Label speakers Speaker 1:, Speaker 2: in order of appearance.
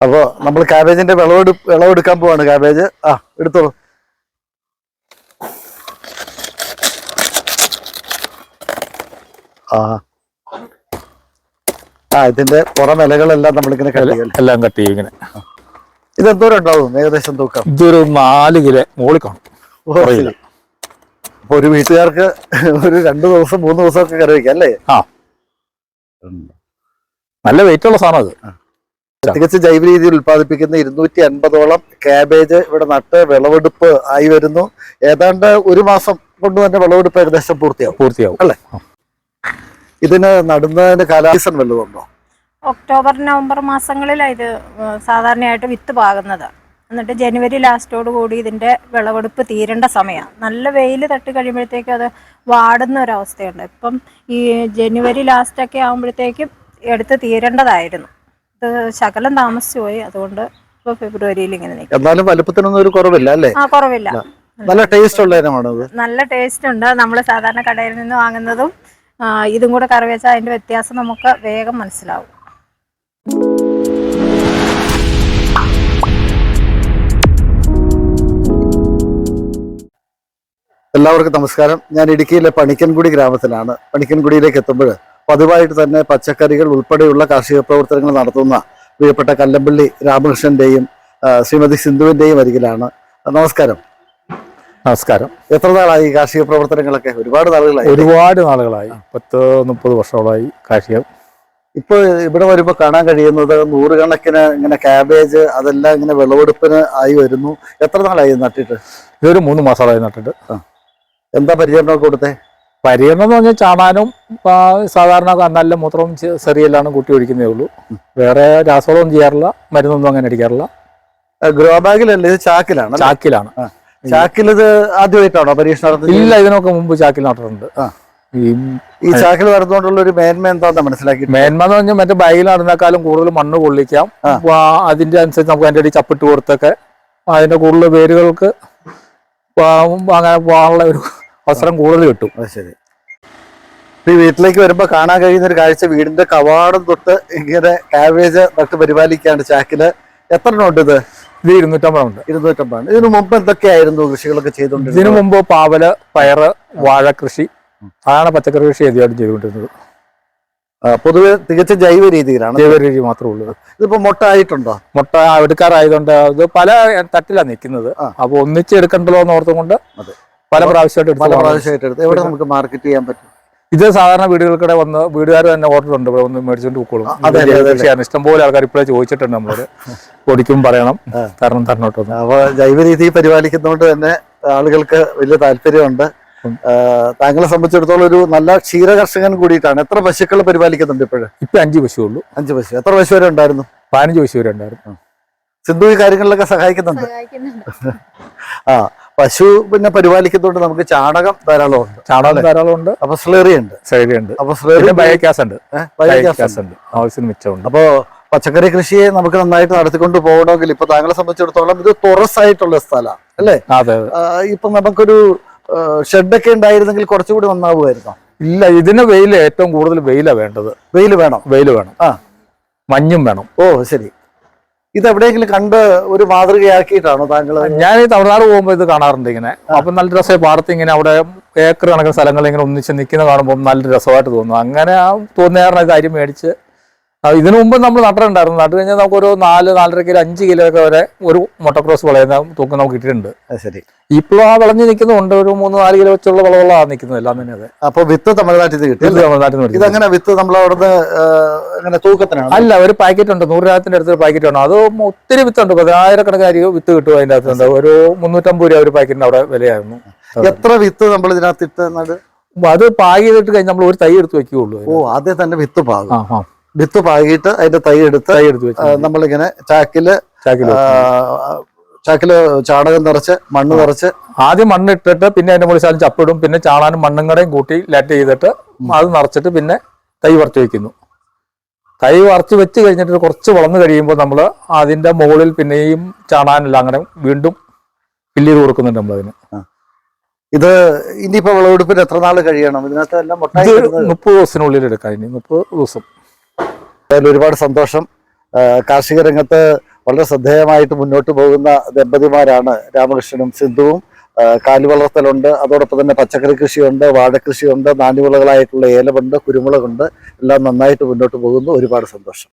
Speaker 1: അപ്പോൾ നമ്മൾ കാബേജിന്റെ വിളവെടുക്കാൻ പോവാണ്. കാബേജ് എടുത്തോളൂ. ഇതിന്റെ പുറം ഇലകളെല്ലാം നമ്മളിങ്ങനെ
Speaker 2: എല്ലാം കട്ട് ചെയ്യും ഇങ്ങനെ.
Speaker 1: ഇതെന്തോരം ഉണ്ടാവും ഏകദേശം തൂക്കം?
Speaker 2: ഇതൊരു 4 കിലോ മുകളിൽ കാണും.
Speaker 1: അപ്പൊ ഒരു വീട്ടുകാർക്ക് ഒരു 2 ദിവസം 3 ദിവസം ഒക്കെ കറി വയ്ക്കാം അല്ലേ?
Speaker 2: നല്ല വെയിറ്റ് ഉള്ള സാധനം അത്.
Speaker 1: തികച്ചും ജൈവ രീതിയിൽ ഉത്പാദിപ്പിക്കുന്ന 250ഓളം കാബേജ് ഇവിടെ നട്ട് വിളവെടുപ്പ് ആയി വരുന്നു. ഏതാണ്ട് 1 മാസം കൊണ്ട് തന്നെ വിളവെടുപ്പ് ഏകദേശം പൂർത്തിയാവും അല്ലേ? ഇതിന് നടുന്നതിന് കാലാസീസൺ വല്ലതുണ്ടോ?
Speaker 3: ഒക്ടോബർ നവംബർ മാസങ്ങളിലാണ് ഇത് സാധാരണയായിട്ട് വിത്ത് പാകുന്നത്. എന്നിട്ട് ജനുവരി ലാസ്റ്റോട് കൂടി ഇതിൻ്റെ വിളവെടുപ്പ് തീരേണ്ട സമയമാണ്. നല്ല വെയിൽ തട്ടി കഴിയുമ്പോഴത്തേക്കും അത് വാടുന്ന ഒരവസ്ഥയുണ്ട്. ഇപ്പം ഈ ജനുവരി ലാസ്റ്റൊക്കെ ആകുമ്പോഴത്തേക്കും എടുത്ത് തീരേണ്ടതായിരുന്നു. ഇത് ശകലം താമസിച്ചു പോയി. അതുകൊണ്ട് ഇപ്പോൾ ഫെബ്രുവരിയിൽ ഇങ്ങനെ നിൽക്കും.
Speaker 1: എന്നാലും വലുപ്പത്തിനൊന്നും ഒരു കുറവില്ല അല്ലേ?
Speaker 3: കുറവില്ല.
Speaker 1: നല്ല ടേസ്റ്റ് ഉള്ള ഇനമാണത്.
Speaker 3: നല്ല ടേസ്റ്റ് ഉണ്ട്. നമ്മൾ സാധാരണ കടയിൽ നിന്ന് വാങ്ങുന്നതും ഇതും കൂടെ കറി വെച്ചാൽ അതിൻ്റെ വ്യത്യാസം നമുക്ക് വേഗം മനസ്സിലാവും.
Speaker 1: എല്ലാവർക്കും നമസ്കാരം. ഞാൻ ഇടുക്കിയിലെ പണിക്കൻകുടി ഗ്രാമത്തിലാണ്. പണിക്കൻകുടിയിലേക്ക് എത്തുമ്പോൾ പതിവായിട്ട് തന്നെ പച്ചക്കറികൾ ഉൾപ്പെടെയുള്ള കാർഷിക പ്രവർത്തനങ്ങൾ നടത്തുന്ന പ്രിയപ്പെട്ട കല്ലമ്പള്ളി രാമകൃഷ്ണന്റെയും ശ്രീമതി സിന്ധുവിന്റെയും അരികിലാണ്. നമസ്കാരം.
Speaker 2: നമസ്കാരം.
Speaker 1: എത്ര നാളായി കാർഷിക പ്രവർത്തനങ്ങളൊക്കെ? ഒരുപാട് നാളുകളായി.
Speaker 2: 30 വർഷങ്ങളായി കാർഷികം.
Speaker 1: ഇപ്പൊ ഇവിടെ വരുമ്പോൾ കാണാൻ കഴിയുന്നത് 100 കണക്കിന് ഇങ്ങനെ കാബേജ് അതെല്ലാം ഇങ്ങനെ വിളവെടുപ്പിന് ആയി വരുന്നു. എത്ര നാളായി നട്ടിട്ട്?
Speaker 2: ഇതൊരു 3 മാസമായി നട്ടിട്ട്.
Speaker 1: എന്താ പരിചരണം കൊടുത്തേ?
Speaker 2: പരിചരണം എന്ന് പറഞ്ഞാൽ ചാണാനും സാധാരണ നല്ല മൂത്രവും ചെറിയെല്ലാം കൂട്ടി ഒഴിക്കുന്നേ ഉള്ളൂ. വേറെ രാസവളമൊന്നും ചെയ്യാറില്ല, മരുന്നൊന്നും അങ്ങനെ അടിക്കാറില്ല.
Speaker 1: ഗ്രോ ബാഗിലല്ലേ? ഇത് ചാക്കിലാണ്? ചാക്കിൽ ഇത് ആദ്യമായിട്ടാണോ പരീക്ഷണം?
Speaker 2: ഇല്ല, ഇതിനൊക്കെ മുമ്പ് ചാക്കിൽ നട്ടിട്ടുണ്ട്.
Speaker 1: ഈ ചാക്കിൽ നടന്നുകൊണ്ടുള്ള ഒരു മേന്മ എന്താന്ന് മനസ്സിലാക്കി?
Speaker 2: മേന്മ എന്ന് പറഞ്ഞാൽ മറ്റേ ബാഗിൽ നടന്നേക്കാളും കൂടുതൽ മണ്ണ് കൊള്ളിക്കാം. അതിന്റെ അനുസരിച്ച് നമുക്ക് അതിന്റെ അടി ചപ്പിട്ട് കൊടുത്തൊക്കെ അതിന്റെ കൂടുതൽ വേരുകൾക്ക് അങ്ങനെ പോകാനുള്ള ഒരു അവസരം കൂടുതൽ കിട്ടും.
Speaker 1: ശരി. ഈ വീട്ടിലേക്ക് വരുമ്പോ കാണാൻ കഴിയുന്ന ഒരു കാഴ്ച, വീടിന്റെ കവാടം തൊട്ട് ഇങ്ങനെ കാബേജ് നട്ട് പരിപാലിക്കാണ് ചാക്കില്. എത്ര ഉണ്ട് ഇത്?
Speaker 2: ഇത് 250 ഉണ്ട്.
Speaker 1: 250. ഇതിനു മുമ്പ് എന്തൊക്കെയായിരുന്നു കൃഷികളൊക്കെ ചെയ്തോണ്ടിരുന്നത്?
Speaker 2: ഇതിനു മുമ്പ് പാവല്, പയറ്, വാഴ കൃഷി, അതാണ് പച്ചക്കറി കൃഷി ആദ്യമായിട്ട് ചെയ്തുകൊണ്ടിരുന്നത്.
Speaker 1: പൊതുവെ തികച്ച ജൈവ രീതിയിലാണ്.
Speaker 2: ജൈവ രീതി മാത്രമേ ഉള്ളൂ.
Speaker 1: ഇതിപ്പോ മുട്ട ആയിട്ടുണ്ടോ?
Speaker 2: മുട്ട എടുക്കാറായതുകൊണ്ട് ഇത് പല തട്ടിലാണ് നിൽക്കുന്നത്. അപ്പൊ ഒന്നിച്ച് എടുക്കണ്ടല്ലോ എന്ന് ഓർത്തുകൊണ്ട് പല പ്രാവശ്യമായിട്ട് എടുത്ത്
Speaker 1: എവിടെ നമുക്ക് മാർക്കറ്റ് ചെയ്യാൻ പറ്റും?
Speaker 2: ഇത് സാധാരണ വീടുകൾക്കിടെ വന്ന് വീടുകാർ തന്നെ ഓർഡർ ഉണ്ട്, ഇവിടെ ഒന്ന് മേടിച്ചോണ്ട് പോക്കോളും. ഇഷ്ടംപോലെ ആൾക്കാർ ഇപ്പോഴേ ചോദിച്ചിട്ടുണ്ട്. നമ്മള് പൊടിക്കും പറയണം, തരണോട്ടോ.
Speaker 1: അപ്പൊ ജൈവ രീതി പരിപാലിക്കുന്നതുകൊണ്ട് തന്നെ ആളുകൾക്ക് വലിയ താല്പര്യമുണ്ട്. താങ്കളെ സംബന്ധിച്ചിടത്തോളം ഒരു നല്ല ക്ഷീര കർഷകൻ കൂടിയിട്ടാണ്. എത്ര പശുക്കൾ പരിപാലിക്കുന്നുണ്ട് ഇപ്പോഴും?
Speaker 2: ഇപ്പൊ 5 പശു ഉള്ളൂ.
Speaker 1: 5 പശു. എത്ര പശു വരെ ഉണ്ടായിരുന്നു?
Speaker 2: 15 പശു വരെ ഉണ്ടായിരുന്നു.
Speaker 1: സിന്ധു ഈ കാര്യങ്ങളിലൊക്കെ സഹായിക്കുന്നുണ്ട്. പശു പിന്നെ പരിപാലിക്കുന്നതുകൊണ്ട് നമുക്ക് ചാണകം ധാരാളം ഉണ്ട്. അപ്പൊ സ്ലേറി ഉണ്ട്. അപ്പൊ
Speaker 2: ബയോഗ്യാസ് ഉണ്ട്. ആവശ്യത്തിന് മിച്ചമുണ്ട്.
Speaker 1: അപ്പോ പച്ചക്കറി കൃഷിയെ നമുക്ക് നന്നായിട്ട് നടത്തിക്കൊണ്ട് പോകണമെങ്കിൽ ഇപ്പൊ താങ്കളെ സംബന്ധിച്ചിടത്തോളം ഇത് തുറസായിട്ടുള്ള സ്ഥലമാണ് അല്ലേ? ഇപ്പൊ നമുക്കൊരു ഷെഡൊക്കെ ഉണ്ടായിരുന്നെങ്കിൽ കുറച്ചുകൂടി നന്നാവുമായിരുന്നോ?
Speaker 2: ഇല്ല, ഇതിന് ഏറ്റവും കൂടുതൽ വെയിലാണ് വേണ്ടത്.
Speaker 1: വെയിൽ വേണം.
Speaker 2: മഞ്ഞും വേണം.
Speaker 1: ശരി. ഇത് എവിടെയെങ്കിലും കണ്ട് ഒരു മാതൃകയാക്കിയിട്ടാണോ താങ്കൾ?
Speaker 2: ഞാൻ ഈ തമിഴ്നാട് പോകുമ്പോൾ ഇത് കാണാറുണ്ട് ഇങ്ങനെ. അപ്പൊ നല്ല രസമായി പാടത്ത് ഇങ്ങനെ അവിടെ ഏക്കർ കണക്കിന് സ്ഥലങ്ങൾ ഇങ്ങനെ ഒന്നിച്ച് നിൽക്കുന്ന കാണുമ്പോൾ നല്ല രസമായിട്ട് തോന്നുന്നു. അങ്ങനെ തോന്നിയ കാര്യം മേടിച്ച് ഇതിനു മുമ്പ് നമ്മൾ നട്ടിട്ടുണ്ടായിരുന്നു. നട്ട് കഴിഞ്ഞാൽ നമുക്കൊരു 4-4.5 കിലോ 5 കിലോ ഒക്കെ വരെ ഒരു മുട്ടക്രോസ് വിളയുന്ന തൂക്കം നമുക്ക് കിട്ടിയിട്ടുണ്ട്. ശരി. ഇപ്പോഴും ആ വിളഞ്ഞ് നിൽക്കുന്നുണ്ട്. ഒരു 3-4 കിലോ വെച്ചുള്ള വിളകളാണ് നിൽക്കുന്നത് എല്ലാം തന്നെ. അതെ.
Speaker 1: അപ്പൊ വിത്ത് തമിഴ്നാട്ടിൽ നിന്ന് കിട്ടി? തമിഴ്നാട്ടിൽ നിന്ന്. ഇതങ്ങനെ വിത്ത് നമ്മൾ അവിടുന്ന് തൂക്കത്തിനാണ്?
Speaker 2: അല്ല, ഒരു പാക്കറ്റ് ഉണ്ട്. 100 രൂപത്തിന്റെ അടുത്ത് പാക്കറ്റ് ഉണ്ട്. അത് ഒത്തിരി വിത്തുണ്ട്. 10,000 വിത്ത് കിട്ടും അതിന്റെ അകത്തുണ്ട്. ഒരു 350 രൂപ ഒരു പാക്കറ്റിന് അവിടെ വിലയായിരുന്നു.
Speaker 1: എത്ര വിത്ത് നമ്മൾ ഇതിനകത്ത് ഇട്ട്
Speaker 2: അത് പാകി ചെയ്തിട്ട് കഴിഞ്ഞ് നമ്മൾ ഒരു തൈ എടുത്ത് വെക്കുകയുള്ളൂ.
Speaker 1: ആദ്യം തന്നെ വിത്ത് പാകും. വിത്ത് പാകിയിട്ട് അതിന്റെ തൈ എടുത്ത് നമ്മളിങ്ങനെ ചാക്കില് ചാണകം നിറച്ച് മണ്ണ് നിറച്ച്
Speaker 2: ആദ്യം മണ്ണിട്ടിട്ട് പിന്നെ അതിന്റെ മുകളിൽ ചപ്പിടും. പിന്നെ ചാണാനും മണ്ണും കൂടെയും കൂട്ടി ലാറ്റ് ചെയ്തിട്ട് അത് നിറച്ചിട്ട് പിന്നെ തൈ വറുത്ത് വെക്കുന്നു. തൈ വറുത്ത് വെച്ച് കഴിഞ്ഞിട്ട് കുറച്ച് വളർന്നു കഴിയുമ്പോൾ നമ്മൾ അതിന്റെ മുകളിൽ പിന്നെയും ചാണാനെല്ലാം അങ്ങനെ വീണ്ടും ഫില്ല് ചെയ്ത് കൊടുക്കുന്നുണ്ട് നമ്മളതിന്.
Speaker 1: ഇത് ഇനിയിപ്പോ വിളവെടുപ്പിന് എത്ര നാൾ കഴിയണം? ഇതിനകത്ത് എല്ലാം
Speaker 2: 30 ദിവസത്തിനുള്ളിൽ എടുക്കാം. ഇനി 30 ദിവസം.
Speaker 1: ഒരുപാട് സന്തോഷം. കാർഷിക രംഗത്ത് വളരെ ശ്രദ്ധേയമായിട്ട് മുന്നോട്ട് പോകുന്ന ദമ്പതിമാരാണ് രാമകൃഷ്ണനും സിന്ധുവും. കാലി വളർത്തലുണ്ട്, അതോടൊപ്പം തന്നെ പച്ചക്കറി കൃഷിയുണ്ട്, വാഴക്കൃഷിയുണ്ട്, നാണ്യവിളകളായിട്ടുള്ള ഏലമുണ്ട്, കുരുമുളകുണ്ട്. എല്ലാം നന്നായിട്ട് മുന്നോട്ട് പോകുന്നു. ഒരുപാട് സന്തോഷം.